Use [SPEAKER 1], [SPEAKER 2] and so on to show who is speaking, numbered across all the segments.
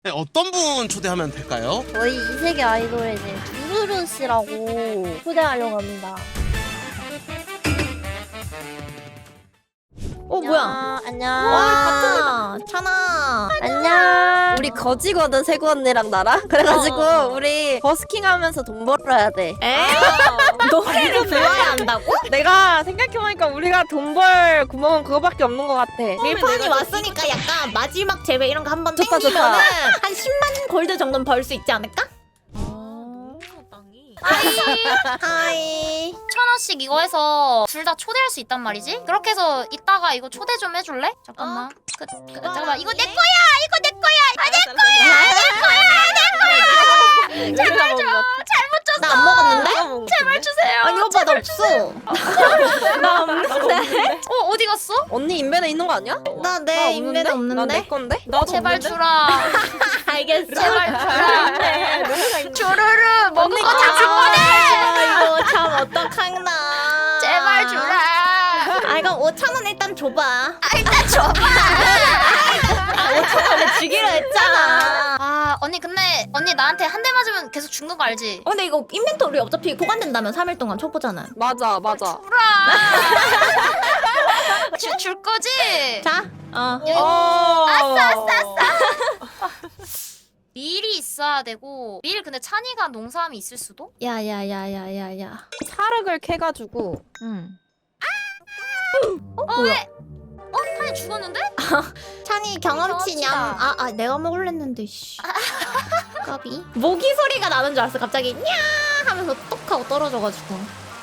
[SPEAKER 1] 네, 어떤 분 초대하면 될까요?
[SPEAKER 2] 저희 이세계 아이돌의 이제 두루루 씨라고 초대하려고 합니다.
[SPEAKER 3] 뭐야?
[SPEAKER 2] 안녕.
[SPEAKER 3] 와, 찬아.
[SPEAKER 2] 안녕. 우리 거지거든, 세구 언니랑 나랑. 그래가지고 우리 버스킹 하면서 돈 벌어야 돼.
[SPEAKER 3] 에? 노래를 배워야 한다고?
[SPEAKER 2] 내가 생각해보니까 우리가 돈 벌 구멍은 그거밖에 없는 것 같아.
[SPEAKER 3] 밀판이 왔으니까 약간 마지막 제외 이런 거 한번
[SPEAKER 2] 좋다,
[SPEAKER 3] 땡기면은
[SPEAKER 2] 좋다.
[SPEAKER 3] 한 10만 골드 정도는 벌 수 있지 않을까? 하이.
[SPEAKER 4] 1,000원씩 이거 해서 둘 다 초대할 수 있단 말이지? 그렇게 해서 이따가 이거 초대 좀 해줄래? 잠깐만. 잠깐만 이거 내 거야! 이거 내 거야!
[SPEAKER 2] 제발 좀.
[SPEAKER 4] 잘못 줬어!
[SPEAKER 3] 나 안 먹었는데?
[SPEAKER 4] 제발 주세요!
[SPEAKER 3] 아니 오빠 나 없어.
[SPEAKER 2] 나 없는데?
[SPEAKER 4] 어디 갔어?
[SPEAKER 2] 언니 인벤에 있는 거 아니야?
[SPEAKER 3] 나 내 인벤에
[SPEAKER 2] 나 내
[SPEAKER 3] 없는데?
[SPEAKER 2] 건데? 나도
[SPEAKER 4] 제발
[SPEAKER 2] 없는데?
[SPEAKER 4] 주라.
[SPEAKER 3] 알겠어.
[SPEAKER 4] 제발 주라. 주르르 먹은 거 다 줄 거네!
[SPEAKER 3] 이거 참 어떡하나.
[SPEAKER 4] 제발 주라.
[SPEAKER 3] 아 이거 5,000원 일단 줘봐.
[SPEAKER 4] 일단 줘봐.
[SPEAKER 3] 5,000원에 주기로 했잖아.
[SPEAKER 4] 아 언니 근데 언니 나한테 한 대 맞으면 계속 죽는 거 알지?
[SPEAKER 3] 근데 이거 인벤토리 어차피 보관된다면 3일 동안 초보잖아.
[SPEAKER 2] 맞아.
[SPEAKER 4] 주라. 줄 거지?
[SPEAKER 3] 자,
[SPEAKER 4] 아싸. 밀이 있어야 되고 밀 근데 찬이가 농사함이 있을 수도?
[SPEAKER 3] 야야야야야야.
[SPEAKER 2] 사륵을 캐가지고
[SPEAKER 4] 왜? 찬이 죽었는데?
[SPEAKER 3] 찬이 경험치냠.
[SPEAKER 4] 경험치다.
[SPEAKER 3] 내가 먹을랬는데 씨. 까비. 모기 소리가 나는 줄 알았어. 갑자기 냐 하면서 똑 하고 떨어져가지고.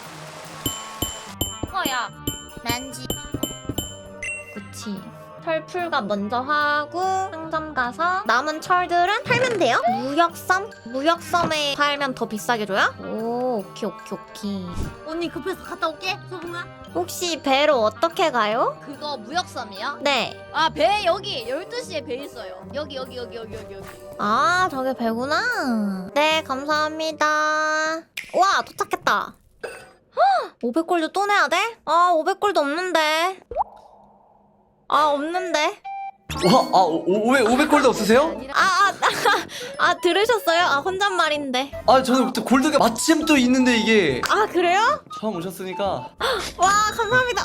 [SPEAKER 4] 야 난지
[SPEAKER 3] 그치. 철풀가 먼저 하고 상점 가서 남은 철들은 팔면 돼요? 무역섬? 무역섬에 팔면 더 비싸게 줘요? 오, 오케이.
[SPEAKER 5] 언니 급해서 갔다 올게 소봉아.
[SPEAKER 3] 혹시 배로 어떻게 가요?
[SPEAKER 5] 그거 무역섬이요?
[SPEAKER 3] 네.
[SPEAKER 5] 아 배 여기 12시에 배 있어요. 여기.
[SPEAKER 3] 아, 저게 배구나. 네, 감사합니다. 와, 도착했다. 500골드 또 내야 돼? 아, 500골드 없는데. 없는데.
[SPEAKER 6] 와, 500골드 없으세요?
[SPEAKER 3] 들으셨어요? 혼잣말인데.
[SPEAKER 6] 저는 또 골드가 마침 또 있는데 이게
[SPEAKER 3] 그래요?
[SPEAKER 6] 처음 오셨으니까.
[SPEAKER 3] 와, 감사합니다.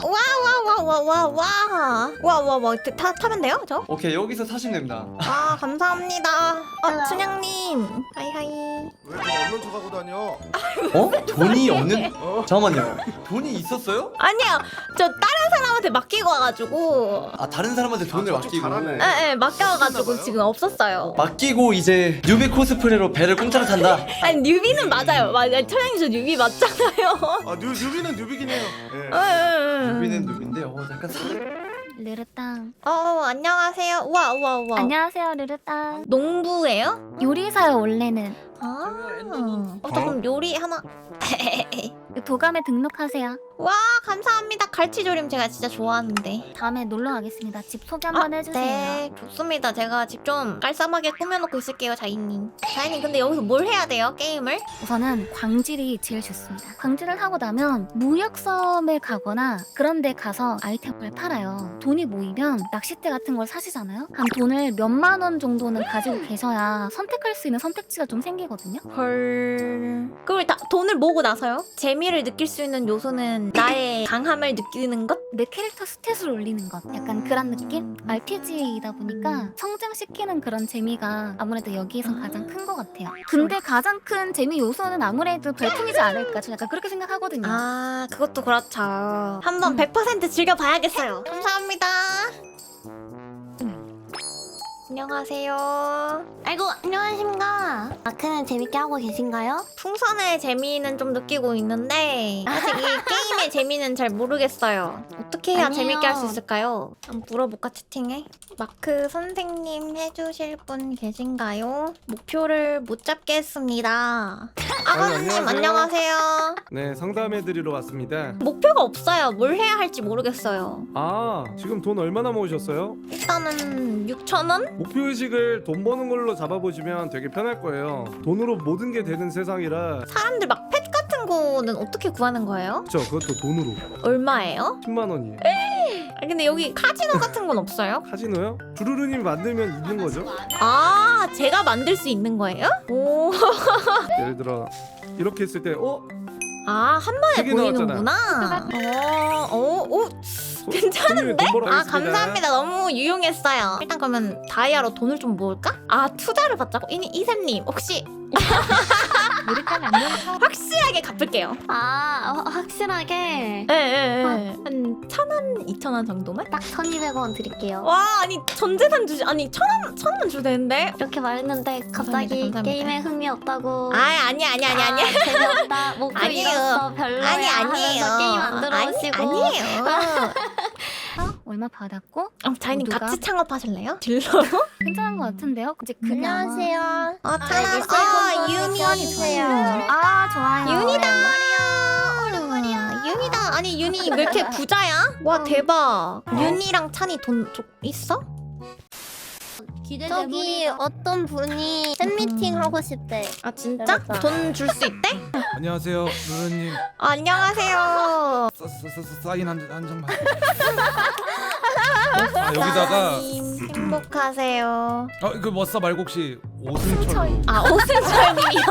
[SPEAKER 3] 와. 타면 돼요, 저?
[SPEAKER 6] 오케이, 여기서 사시면 됩니다.
[SPEAKER 3] 감사합니다. 춘향님. 하이하이.
[SPEAKER 7] 왜 돈 없는 척하고 다녀?
[SPEAKER 6] 돈이 없는? 잠깐만요. 돈이 있었어요?
[SPEAKER 3] 아니요, 저 다른 사람한테 맡기고 와가지고.
[SPEAKER 6] 다른 사람한테 돈을
[SPEAKER 7] 저쪽
[SPEAKER 6] 맡기고.
[SPEAKER 7] 잘하네.
[SPEAKER 3] 네, 맡겨와가지고 지금 없었어요.
[SPEAKER 6] 맡기고 이제 뉴비 코스프레로 배를 공짜로 탄다.
[SPEAKER 3] 아니, 뉴비는 맞아요. 춘향님 저 뉴비 맞잖아요.
[SPEAKER 7] 뉴비는 뉴비긴 해요. 예.
[SPEAKER 6] 뉴비는 뉴비인데 약간
[SPEAKER 4] 르르땅
[SPEAKER 3] 안녕하세요. 우와.
[SPEAKER 4] 안녕하세요 르르땅
[SPEAKER 3] 농부예요?
[SPEAKER 4] 요리사요 원래는
[SPEAKER 3] 그럼 요리 하나.
[SPEAKER 4] 도감에 등록하세요
[SPEAKER 3] 와, 감사합니다. 갈치조림 제가 진짜 좋아하는데.
[SPEAKER 4] 다음에 놀러 가겠습니다 집 소개 한번 해주세요
[SPEAKER 3] 네, 좋습니다. 제가 집 좀 깔쌈하게 꾸며놓고 있을게요, 자이님. 자이님, 근데 여기서 뭘 해야 돼요, 게임을?
[SPEAKER 4] 우선은 광질이 제일 좋습니다. 광질을 하고 나면 무역섬에 가거나 그런 데 가서 아이템을 팔아요. 돈이 모이면 낚싯대 같은 걸 사시잖아요? 한 돈을 몇만 원 정도는 가지고 계셔야 선택할 수 있는 선택지가 좀 생기거든요?
[SPEAKER 3] 헐. 그걸 다 돈을 모으고 나서요? 재미를 느낄 수 있는 요소는 나의 강함을 느끼는 것?
[SPEAKER 4] 내 캐릭터 스탯을 올리는 것. 약간 그런 느낌? RPG이다 보니까 성장시키는 그런 재미가 아무래도 여기에선 가장 큰 것 같아요. 근데 가장 큰 재미 요소는 아무래도 별풍이지 않을까? 저 약간 그렇게 생각하거든요.
[SPEAKER 3] 그것도 그렇죠. 한번 100% 즐겨봐야겠어요. 감사합니다. 안녕하세요.
[SPEAKER 5] 아이고 안녕하십니까. 마크는 재밌게 하고 계신가요?
[SPEAKER 3] 풍선의 재미는 좀 느끼고 있는데 아직 이 게임의 재미는 잘 모르겠어요. 어떻게 해야
[SPEAKER 5] 아니에요.
[SPEAKER 3] 재밌게 할 수 있을까요? 한번 물어볼까 채팅에? 마크 선생님 해주실 분 계신가요? 목표를 못 잡겠습니다. 아버님
[SPEAKER 7] 안녕하세요.
[SPEAKER 3] 안녕하세요.
[SPEAKER 7] 네, 상담해드리러 왔습니다.
[SPEAKER 3] 목표가 없어요. 뭘 해야 할지 모르겠어요.
[SPEAKER 7] 지금 돈 얼마나 모으셨어요?
[SPEAKER 3] 일단은 6,000원?
[SPEAKER 7] 목표의식을 돈 버는 걸로 잡아보시면 되게 편할 거예요. 돈으로 모든 게 되는 세상이라.
[SPEAKER 3] 사람들 막 펫 같은 거는 어떻게 구하는 거예요?
[SPEAKER 7] 그쵸, 그것도 돈으로.
[SPEAKER 3] 얼마예요?
[SPEAKER 7] 10만 원이에요.
[SPEAKER 3] 근데 여기 카지노 같은 건 없어요?
[SPEAKER 7] 카지노요? 주루루님 만들면 있는 거죠?
[SPEAKER 3] 아 제가 만들 수 있는 거예요? 오.
[SPEAKER 7] 예를 들어 이렇게 했을 때
[SPEAKER 3] 아 한 번에
[SPEAKER 7] 되게 나왔잖아.
[SPEAKER 3] 보이는구나. 오. 괜찮은데? 아 감사합니다. 너무 유용했어요. 일단 그러면 다이아로 돈을 좀 모을까? 아 투자를 받자고? 이샘님 혹시 확실하게 갚을게요.
[SPEAKER 5] 확실하게
[SPEAKER 3] 네. 한 1,000원, 2,000원 정도만?
[SPEAKER 5] 딱 1,200원 드릴게요.
[SPEAKER 3] 와 아니 전 재산 주지 아니 1,000원 줘도 되는데?
[SPEAKER 5] 이렇게 말했는데 갑자기
[SPEAKER 3] 감사합니다.
[SPEAKER 5] 게임에 흥미 없다고.
[SPEAKER 3] 아니야.
[SPEAKER 5] 재미없다. 목표
[SPEAKER 3] 아니에요.
[SPEAKER 5] 잃었어. 별로야.
[SPEAKER 3] 아니에요.
[SPEAKER 5] 하면서 게임 안 들어오시고.
[SPEAKER 3] 아니에요.
[SPEAKER 4] 얼마 받았고
[SPEAKER 3] 자이님
[SPEAKER 4] 모두가?
[SPEAKER 3] 같이 창업하실래요? 딜러로?
[SPEAKER 4] 괜찮은 것 같은데요? 이제 그냥
[SPEAKER 2] 안녕하세요.
[SPEAKER 3] 유니세요.
[SPEAKER 4] 아 좋아요.
[SPEAKER 3] 윤이다. 윤이다. 아니 윤이 왜 이렇게 부자야? 와 대박. 윤이랑 찬이 돈 있어?
[SPEAKER 2] 저기 어떤 분이 팬미팅 하고 싶대.
[SPEAKER 3] 아 진짜?
[SPEAKER 2] 맞아.
[SPEAKER 3] 돈 줄 수 있대?
[SPEAKER 8] 안녕하세요, 루루님.
[SPEAKER 3] 안녕하세요.
[SPEAKER 8] 사인 한 장만. 여기다가
[SPEAKER 3] 행복하세요.
[SPEAKER 8] 그 머싸 말고 혹시 오승철로.
[SPEAKER 3] 아 오승철님이요.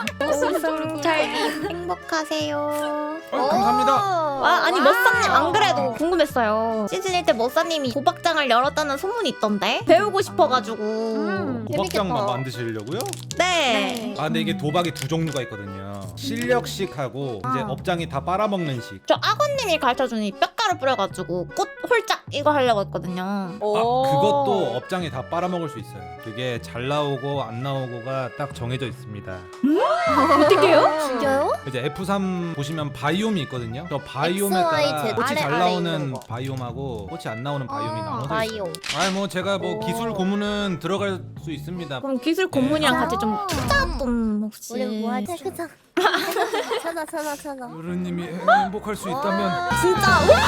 [SPEAKER 3] 오승철님 행복하세요.
[SPEAKER 8] 감사합니다.
[SPEAKER 3] 와 아니 머싸님 안 그래도 궁금했어요. 시즌 1 때 머싸님이 도박장을 열었다는 소문이 있던데 배우고 싶어가지고.
[SPEAKER 8] 도박장만 만드시려고요?
[SPEAKER 3] 네.
[SPEAKER 8] 아 근데 이게 도박이 두 종류가 있거든요. 실력식하고 이제 업장이 다 빨아먹는 식.
[SPEAKER 3] 저 악어님이 가르쳐주니 뼈가루 뿌려가지고 꽃 홀짝 이거 하려고 했거든요.
[SPEAKER 8] 아 그것도 업장이 다 빨아먹을 수 있어요. 그게 잘 나오고 안 나오고가 딱 정해져 있습니다.
[SPEAKER 3] 어떻게요?
[SPEAKER 2] 진짜요?
[SPEAKER 8] 이제 F3 보시면 바이옴이 있거든요. 저 바이옴에
[SPEAKER 2] XY,
[SPEAKER 8] 따라
[SPEAKER 2] Z,
[SPEAKER 8] 꽃이
[SPEAKER 2] 아래,
[SPEAKER 8] 잘
[SPEAKER 2] 아래
[SPEAKER 8] 나오는
[SPEAKER 2] 있는 거.
[SPEAKER 8] 바이옴하고 꽃이 안 나오는 바이옴이 나눠져 있어요.
[SPEAKER 2] 바이옴.
[SPEAKER 8] 아니 뭐 제가 뭐 기술 고문은 들어갈 수 있습니다.
[SPEAKER 3] 그럼 기술 고문이랑 같이 좀 투자 좀 혹시.
[SPEAKER 2] 우리 뭐하지? 그자. 찾아.
[SPEAKER 8] 루루님이 행복할 수 있다면
[SPEAKER 3] 진짜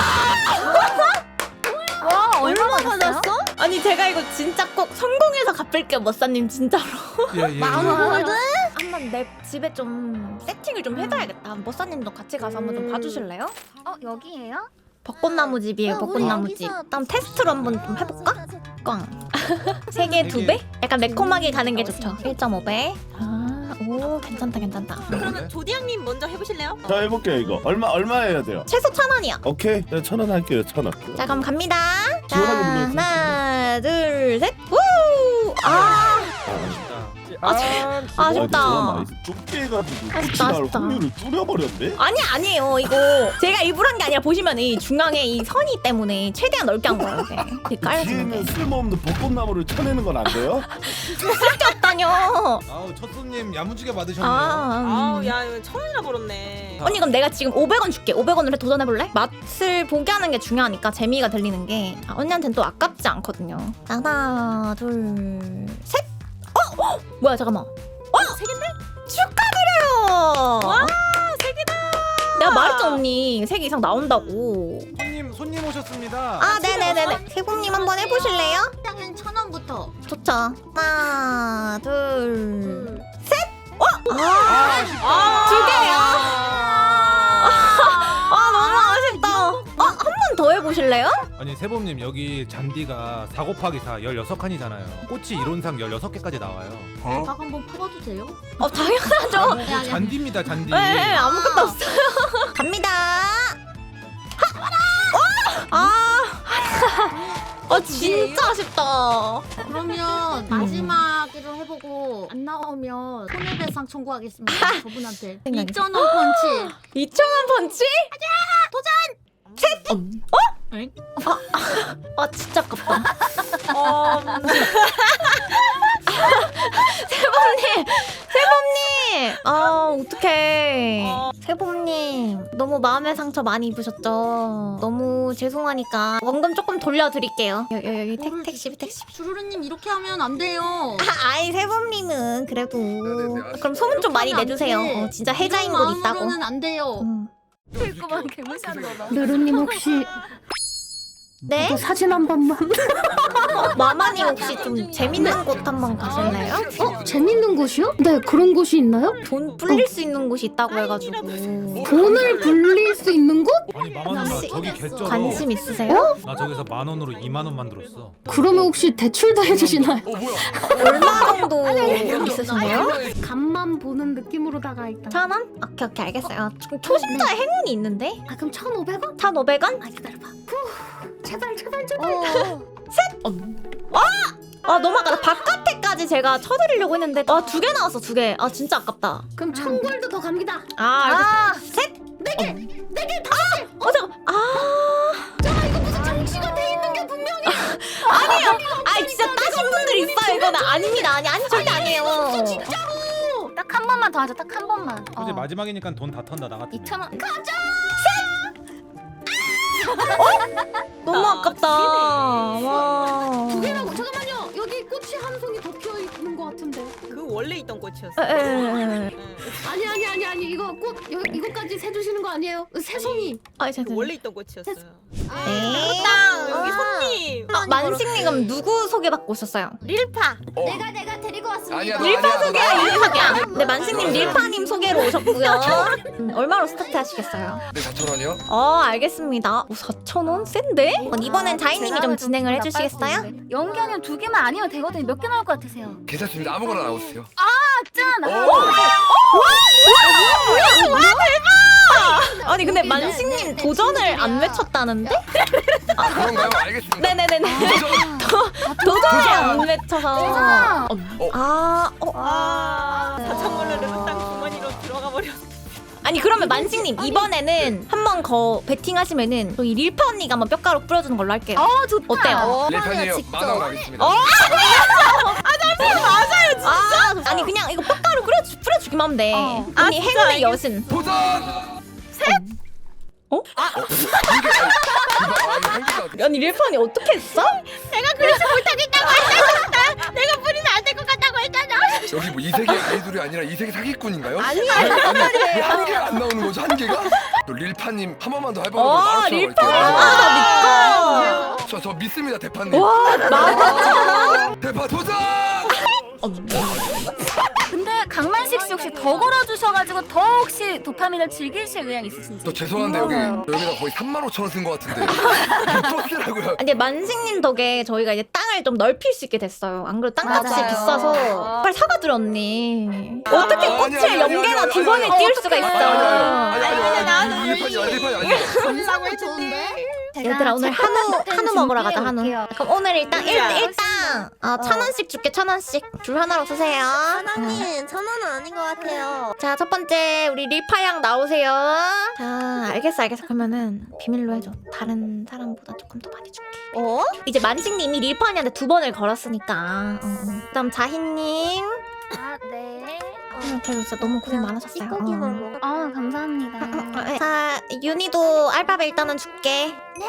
[SPEAKER 4] 와 얼마 받았어?
[SPEAKER 3] 아니 제가 이거 진짜 꼭 성공해서 갚을게요 머싸님 진짜로.
[SPEAKER 8] 예.
[SPEAKER 3] 한번 내 집에 좀 세팅을 좀 해놔야겠다. 머싸님도 같이 가서 한번 좀 봐주실래요?
[SPEAKER 4] 여기에요?
[SPEAKER 3] 벚꽃나무 집이에요. 벚꽃나무 집. 다음 테스트로 한번 좀 해볼까? 꽝. 3개 2배? 약간 매콤하게 가는 게 좋죠. 1.5배. 오 괜찮다.
[SPEAKER 8] 그러면
[SPEAKER 9] 조디양님 먼저 해보실래요?
[SPEAKER 10] 자 해볼게요 이거 얼마 해야 돼요?
[SPEAKER 3] 최소 1,000원이요.
[SPEAKER 10] 오케이 1,000원 할게요 1,000원.
[SPEAKER 3] 자 그럼 갑니다. 자
[SPEAKER 10] 시원하게 불러주세요.
[SPEAKER 3] 하나 둘 셋. 우! 아 아쉽다.
[SPEAKER 10] 좁게 해가지고
[SPEAKER 3] 아쉽다,
[SPEAKER 10] 날
[SPEAKER 3] 아쉽다.
[SPEAKER 10] 확률을 줄여버렸네.
[SPEAKER 3] 아니에요 이거 제가 일부러 한 게 아니라 보시면 이 중앙에 이 선이 때문에 최대한 넓게 한 거예요. 이게 깔려지는 게.
[SPEAKER 10] 뒤에는 쓸모없는 벚꽃나무를 쳐내는 건 안 돼요?
[SPEAKER 3] 쓸데없다뇨.
[SPEAKER 8] 아우 첫 손님 야무지게 받으셨네요.
[SPEAKER 9] 아우 야 이거 1,000원이나 벌었네.
[SPEAKER 3] 언니 그럼 내가 지금 500원 줄게. 500원으로 도전해볼래? 맛을 보게 하는 게 중요하니까 재미가 들리는 게 언니한테는 또 아깝지 않거든요. 하나 둘 셋. 뭐야 잠깐만. 3개인데? 축하드려요.
[SPEAKER 9] 와 3개다.
[SPEAKER 3] 내가 말했죠 언니 3개 이상 나온다고.
[SPEAKER 8] 손님 오셨습니다.
[SPEAKER 3] 아 네네네네. 세봉님 한번 해보실래요?
[SPEAKER 5] 일단은 1,000원부터.
[SPEAKER 3] 좋죠. 하나 둘 셋.
[SPEAKER 9] 아,
[SPEAKER 3] 2개요. 너무 아쉽다. 한 번 더 해보실래요?
[SPEAKER 8] 아니 세범님 여기 잔디가 4 곱하기 4 16칸이잖아요. 꽃이 이론상 16개까지 나와요.
[SPEAKER 5] 박 한번 파봐도 돼요?
[SPEAKER 3] 당연하죠.
[SPEAKER 8] 잔디입니다 잔디.
[SPEAKER 3] 네, 아무것도 없어요. 갑니다. 진짜 아쉽다.
[SPEAKER 5] 그러면 마지막으로 해보고 안 나오면 손해배상 청구하겠습니다. 저분한테.
[SPEAKER 3] 생각이
[SPEAKER 5] 2,000원 펀치.
[SPEAKER 3] 2,000원 펀치? 진짜 아깝다. 세범님! 어떡해. 세범님, 너무 마음의 상처 많이 입으셨죠? 너무 죄송하니까 원금 조금 돌려드릴게요. 여기 택시비.
[SPEAKER 5] 주루루님 이렇게 하면 안 돼요.
[SPEAKER 3] 아이, 세범님은 그래도. 그럼 소문 좀 많이 내주세요. 진짜 해자인 곳 있다고.
[SPEAKER 5] 마음으로는 안 돼요.
[SPEAKER 4] 그만 개무시한 거다.
[SPEAKER 11] 루루님 혹시
[SPEAKER 3] 네?
[SPEAKER 4] 사진 한 번만.
[SPEAKER 3] 마마님 혹시 좀 재밌는 곳 한번 가실래요?
[SPEAKER 4] 재밌는 곳이요? 네, 그런 곳이 있나요?
[SPEAKER 3] 돈 불릴 수 있는 곳이 있다고 해가지고
[SPEAKER 4] 돈을 불릴 수 있는 곳?
[SPEAKER 8] 아니 마마 누나 저기 개쩔어.
[SPEAKER 3] 관심 있으세요?
[SPEAKER 8] 나 저기서 10,000원으로 2만 원 만들었어.
[SPEAKER 4] 그러면 혹시 대출도 해주시나요?
[SPEAKER 3] 얼마 정도 있으신데요?
[SPEAKER 4] 간만 보는 느낌으로다가 일단.
[SPEAKER 3] 1,000원? 오케이 오케이 알겠어요. 지금 초심자의 행운이 있는데?
[SPEAKER 4] 아, 그럼 1,500원?
[SPEAKER 3] 1,500원?
[SPEAKER 4] 아, 기다려봐. 제발, 제발, 제발.
[SPEAKER 3] 아 너무 아깝다. 바깥에까지 제가 쳐드리려고 했는데 아 2개 나왔어 2개. 아 진짜 아깝다.
[SPEAKER 4] 그럼 1,000골드 더 갑니다.
[SPEAKER 3] 아 알겠어. 셋? 4개! 4개! 아! 잠깐.
[SPEAKER 4] 장치가 돼 있는 게 분명히.
[SPEAKER 3] 아니에요. 아 진짜 따신 분들 있어요. 이거는 아닙니다. 아니 절대 아니에요.
[SPEAKER 4] 딱 한 번만 더 하자. 딱 한 번만.
[SPEAKER 8] 이제 마지막이니까 돈 다 턴다 나 같은.
[SPEAKER 4] 2,000원.
[SPEAKER 3] 너무 아깝다. 와.
[SPEAKER 4] 두 개라고. 잠깐만요. 여기 꽃이 한 송이 더 피어 있는 것 같은데.
[SPEAKER 9] 그 원래 있던 꽃이었어.
[SPEAKER 3] 에에에.
[SPEAKER 4] 아니. 이거 꽃 이거까지 세 주시는 거 아니에요? 세 송이.
[SPEAKER 3] 아
[SPEAKER 9] 그
[SPEAKER 3] 잠깐.
[SPEAKER 9] 원래 있던 꽃이었어요.
[SPEAKER 3] 네.
[SPEAKER 9] 땅 여기 손님.
[SPEAKER 3] 만식님 그럼 누구 소개받고 오셨어요?
[SPEAKER 9] 릴파.
[SPEAKER 5] 내가 데리고 왔습니다.
[SPEAKER 10] 아니야
[SPEAKER 3] 릴파 소개야 릴파야. 네 만식님 릴파님 소개로 오셨고요. 얼마로 스타트 하시겠어요?
[SPEAKER 10] 네 4,000원이요?
[SPEAKER 3] 알겠습니다. 4,000원? 센데? 이번엔 자이님이 좀 진행을 해주시겠어요?
[SPEAKER 4] 연기 아니면 두 개만 아니면 되거든요. 몇 개 나올 것 같으세요?
[SPEAKER 10] 괜찮습니다. 아무거나 나오세요.
[SPEAKER 4] 짠!
[SPEAKER 3] 아니 근데 만식님 도전을 안 외쳤다는데?
[SPEAKER 10] 그런가요? 알겠습니다.
[SPEAKER 3] 네네네네. 도전을 안 외쳐서.
[SPEAKER 9] 아 4,000원을 르르땅 주머니로 들어가 버렸어.
[SPEAKER 3] 아니 그러면 만식님 이번에는 한 번 더 베팅하시면은 저희 릴파 언니가 한번 뼈가루 뿌려주는 걸로 할게요.
[SPEAKER 4] 좋다.
[SPEAKER 3] 어때요?
[SPEAKER 10] 릴판이에요. 만원 가겠습니다.
[SPEAKER 3] 맞아요 진짜? 아니 그냥 이거 뼈가루 뿌려주기만 하면 돼. 언니 행운의 여신.
[SPEAKER 10] 도전!
[SPEAKER 3] 어? 언니 릴파 언니 어떻게 했어?
[SPEAKER 10] 여기 뭐 이세계 아이돌이 아니라 이세계 사기꾼인가요?
[SPEAKER 3] 아니야.
[SPEAKER 10] 한 개가 안 나오는 거죠? 한 개가? 또 릴파님 한 번만 더 해보는
[SPEAKER 3] 릴파 나 믿고.
[SPEAKER 10] 저 믿습니다 대파님.
[SPEAKER 3] 와 맞아.
[SPEAKER 10] 대파 도전!
[SPEAKER 4] 근데 강만식 씨 혹시 더 걸어주셔가지고 더 혹시 도파민을 즐기실 의향 있으신지?
[SPEAKER 10] 저 죄송한데 여기다 거의 35,000원 쓴 것 같은데. 버스라고요.
[SPEAKER 3] 근데 만식님 덕에 저희가 이제 땅을 좀 넓힐 수 있게 됐어요. 안 그래도 땅값이
[SPEAKER 4] 맞아요.
[SPEAKER 3] 비싸서 빨리 사과드려 언니. 어떻게 꽃을
[SPEAKER 10] 아니,
[SPEAKER 3] 연계나 두 번에 띄울 수가 있어?
[SPEAKER 10] 아니 릴판이 아니에요.
[SPEAKER 9] 감사고 해줬는데.
[SPEAKER 3] 얘들아 오늘 한우 먹으러 가자 한우. 그럼 오늘 일당 1,000원씩 줄게 1,000원씩. 줄 하나로 쓰세요.
[SPEAKER 2] 하나님 1,000원은 아닌 것 같아요.
[SPEAKER 3] 자 첫 번째 우리 릴파양 나오세요. 자 알겠어 그러면은 비밀로 해줘. 다른 사람보다 조금 더 많이 줄게. 이제 만식님이 릴파님한테 2번을 걸었으니까. 그다음 자희님.
[SPEAKER 4] 네.
[SPEAKER 3] 그래도 진짜 너무 고생 많으셨어요.
[SPEAKER 2] 찌꺼기만
[SPEAKER 4] 감사합니다.
[SPEAKER 3] 자 윤희도 알바베 일단은 줄게. 네.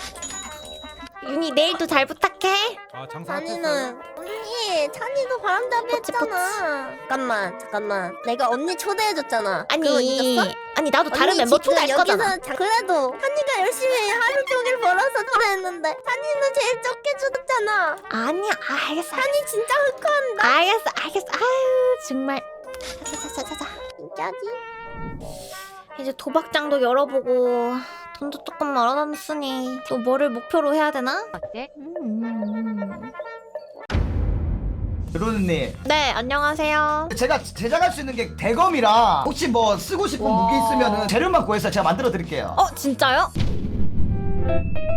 [SPEAKER 3] 윤희 내일도 잘 부탁해.
[SPEAKER 8] 아 장사
[SPEAKER 2] 찬이는 언니 찬이도 바람잡이 했잖아. 잠깐만 내가 언니 초대해줬잖아. 그거 잊었어?
[SPEAKER 3] 아니 나도 다른
[SPEAKER 2] 언니
[SPEAKER 3] 멤버
[SPEAKER 2] 지금
[SPEAKER 3] 초대할 거잖아.
[SPEAKER 2] 그래도 찬이가 열심히 하루 종일 벌어서 초대했는데 찬이는 제일 적게 주었잖아.
[SPEAKER 3] 아니야 알겠어.
[SPEAKER 2] 찬이 진짜 흑한다.
[SPEAKER 3] 알겠어. 아유 정말. 자자자자자.
[SPEAKER 2] 진짜지?
[SPEAKER 3] 이제 도박장도 열어보고 돈도 조금 얼어놨으니 또 뭐를 목표로 해야 되나?
[SPEAKER 11] 로드님,
[SPEAKER 3] 네 안녕하세요.
[SPEAKER 11] 제가 제작할 수 있는 게 대검이라 혹시 뭐 쓰고 싶은 무기 있으면 재료만 구해서 제가 만들어 드릴게요.
[SPEAKER 3] 진짜요?